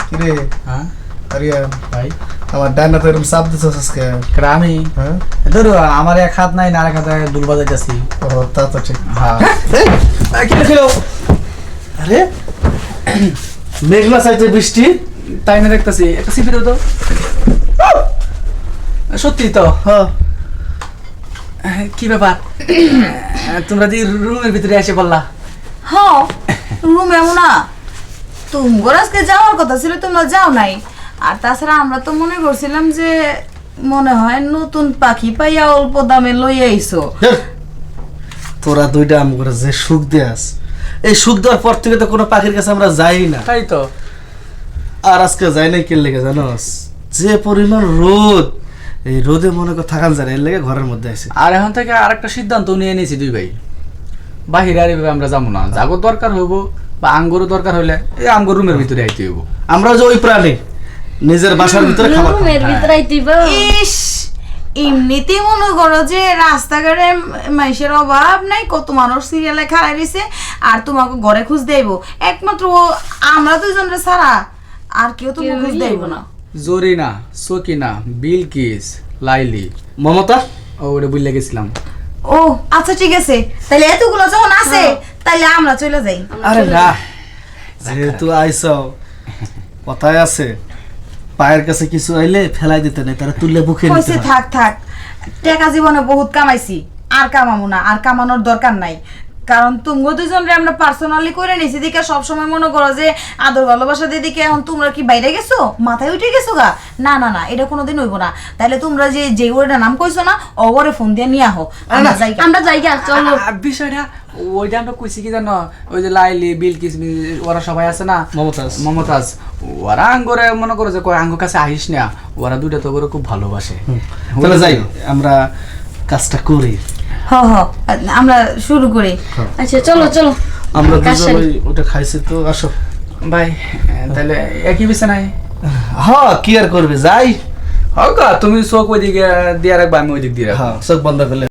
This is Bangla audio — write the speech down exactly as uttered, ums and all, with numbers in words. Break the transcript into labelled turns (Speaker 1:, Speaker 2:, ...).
Speaker 1: কিরে
Speaker 2: হ্যাঁ
Speaker 1: আরিয়ান
Speaker 2: ভাই
Speaker 1: আমার ডান হাতে এরকম চাপ দিছস আজকে
Speaker 2: কেডা আমি
Speaker 1: হ্যাঁ
Speaker 2: ধরো আমার এক হাত নাই না আরেক হাতে দুল বাজাইতেছি
Speaker 1: ও তা তো ঠিক
Speaker 2: হ্যাঁ
Speaker 1: কি খেলো আরে মেঘলা চাইতে বৃষ্টি
Speaker 2: তাই না দেখতেছি একটা সিপি দাও তো সত্যি তো
Speaker 1: হ্যাঁ
Speaker 2: কি ব্যাপার তোমরা দি রুমের ভিতরে এসে বললা
Speaker 3: হ্যাঁ রুম এমন না তুমি আজকে যাওয়ার কথা ছিল তোমরা যাও নাই আর তাছাড়া আমরা তো মনে করছিলাম যে মনে হয় নতুন পাখি পাইয়া অল্প দামে লইয়া আইছো
Speaker 1: তোরা দুইটা আম করে যে সুখ দেয়াস এই সুখ দেওয়ার পর থেকে তো কোনো পাখির কাছে আমরা যাই না
Speaker 2: তাই তো
Speaker 1: আর আজকে যাই নাই কে লেগে জানোস যে পরিমাণ রোদ এই রোদে মনে কর থাকান যায় না, এর লেগে ঘরের মধ্যে আছে
Speaker 2: আর এখন থেকে আরেকটা সিদ্ধান্ত নিয়ে নিয়েছি দুই ভাই বাহিরে আর এভাবে আমরা যাবো না যাগো দরকার হইব বা আঙ্গুরও দরকার হইলে এই আঙ্গুর রুমের ভিতরে আইতে হইব
Speaker 1: আমরা যে ওই প্রাণী নিজের বাসার ভিতরে খাবার খাই।
Speaker 4: রুমের ভিতরে আইতিবা
Speaker 3: ইস এমনিতেই মনে করো যে রাস্তাঘাটে মানুষের অভাব নাই, কত মানুষ সিরিয়ালে খাড়াই রয়েছে আর তোমাকে ঘরে খুঁজ দেব একমাত্র ও- আমরা দুজনরা ছাড়া আর কেউ তো খুঁজ দেব না।
Speaker 2: জরিনা সকিনা বিলকিস লাইলি
Speaker 1: মমতা
Speaker 2: ও ওটা বুঝলে গেছিলাম
Speaker 3: ও আচ্ছা ঠিক আছে, তাহলে এতগুলো যখন আছে তাহলে আমরা চলে যাই।
Speaker 1: আরে না যেহেতু আইস কথায় আছে পায়ের কাছে কিছু আইলে ফেলাই দিতে নেই, তারা তুললে বুকে নিতে
Speaker 3: হয়েছে
Speaker 1: হয়।
Speaker 3: থাক থাক টাকা জীবনে বহুত কামাইছি আর কামাবো না, আর কামানোর দরকার নাই, কারণ তুমগো দুজনরে আমরা পার্সোনালি করে নিছি দিকে সবসময় মনে করো যে আদর ভালোবাসা দিদিকে এখন তোমরা কি বাইরে গেছো মাথায় উঠে গেছো গা, না না না এটা কোনোদিন হইব না। তাহলে তোমরা যে যে ওটা নাম কইছো না অগরে ফোন দিয়ে নিয়ে আহো, আমরা যাই
Speaker 4: আমরা জায়গা চলো
Speaker 2: আর বিষয়টা ওইটা আমরা কইছি কি জানো ওই যে লাইলি বিলকিস মি- ওরা সবাই আছে না
Speaker 1: মমতাজ
Speaker 2: মমতাজ ওরা আঙ্গরে মনে করো যে কয় আঙ্গ কাছে আহিস না, ওরা দুইটা তো ওরা খুব ভালোবাসে
Speaker 1: তাহলে যাই আমরা কাজটা করি।
Speaker 3: হ হ আমরা শুরু করি।
Speaker 4: আচ্ছা চলো চলো
Speaker 1: আমরা
Speaker 4: কাজ
Speaker 1: দুজন
Speaker 4: সারি।
Speaker 1: ওই ওটা খাইছি তো আসো।
Speaker 2: ভাই তাহলে একই বিছানায়
Speaker 1: হ্যাঁ কি আর করবে যাই।
Speaker 2: হোক তুমি চোখ ওই দিকে দিয়ে রাখবা আমি ওই দিক দিয়ে রাখবো
Speaker 1: হ্যাঁ চোখ বন্ধ করলে